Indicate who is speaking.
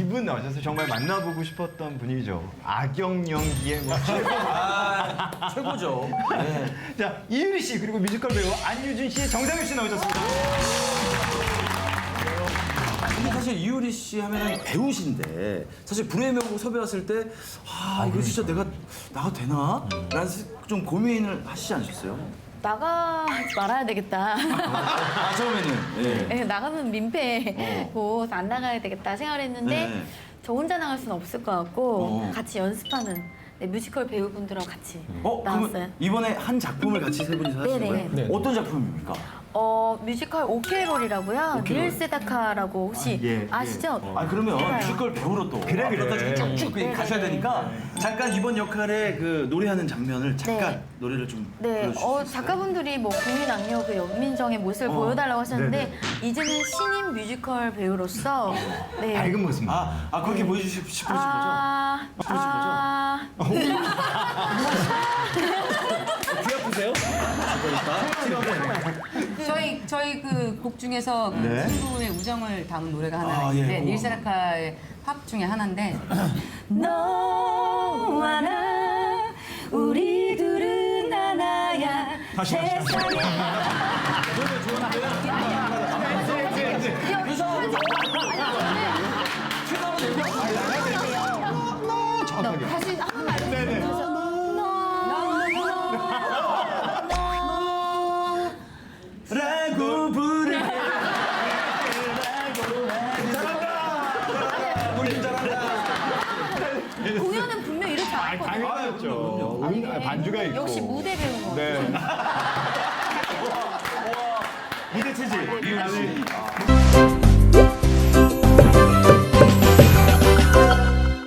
Speaker 1: 분 나오셔서 정말 만나보고 싶었던 분이죠. 악역 연기의 뭐 최고.
Speaker 2: 최고죠. 네.
Speaker 1: 자, 이유리 씨 그리고 뮤지컬 배우 안유준 씨의 정상윤 씨 나오셨습니다.
Speaker 2: 근데 사실 이효리 씨 하면은 배우신데 사실 불후의 명곡 섭외 왔을 때 이거 진짜 내가 나가도 되나? 라는 좀 고민을 하시지 않으셨어요?
Speaker 3: 나가지 말아야 되겠다.
Speaker 2: 처음에는. 네.
Speaker 3: 네, 나가면 민폐고 안 나가야 되겠다 생각을 했는데
Speaker 2: 네.
Speaker 3: 저 혼자 나갈 수는 없을 것 같고 같이 연습하는 뮤지컬 배우분들하고 같이 나왔어요.
Speaker 2: 그러면 이번에 한 작품을 같이 세 분이서 하시는
Speaker 3: 네네.
Speaker 2: 거예요? 어떤 작품입니까?
Speaker 3: 뮤지컬 오케롤이라고요. 닐 세다카라고 혹시
Speaker 1: 예,
Speaker 3: 아시죠?
Speaker 2: 그러면
Speaker 3: 해봐요.
Speaker 2: 뮤지컬 배우로 또
Speaker 1: 그래.
Speaker 2: 앞으로까지 쭉쭉
Speaker 3: 네,
Speaker 2: 가셔야
Speaker 3: 네,
Speaker 2: 되니까 잠깐 이번 역할의 그 노래하는 장면을 잠깐
Speaker 3: 네.
Speaker 2: 노래를 좀
Speaker 3: 네,
Speaker 2: 불러주실 수 있어요?
Speaker 3: 작가분들이 뭐 국민 악녀 그 연민정의 모습을 보여달라고 하셨는데 이제는 신인 뮤지컬 배우로서 네.
Speaker 1: 밝은 모습.
Speaker 2: 그렇게 보여주시고 싶으신 거죠? 귀 아프세요?
Speaker 4: 저희 그 곡 중에서 그 친구의 우정을 담은 노래가 하나 있는데
Speaker 2: 예.
Speaker 4: 닐세라카의 팝 중에 하나인데 너와 나 우리 둘은 하나야 세상에
Speaker 1: 정확하게.
Speaker 3: 다시 한 번만 알려주세요.
Speaker 2: 라고 부르게
Speaker 3: 공연은 분명 이렇게 안 했거든요.
Speaker 1: 당연하죠. 반주가 있고.
Speaker 3: 역시 무대 배우는 거.
Speaker 1: 네.
Speaker 2: 무대 체질
Speaker 1: 이유리 씨.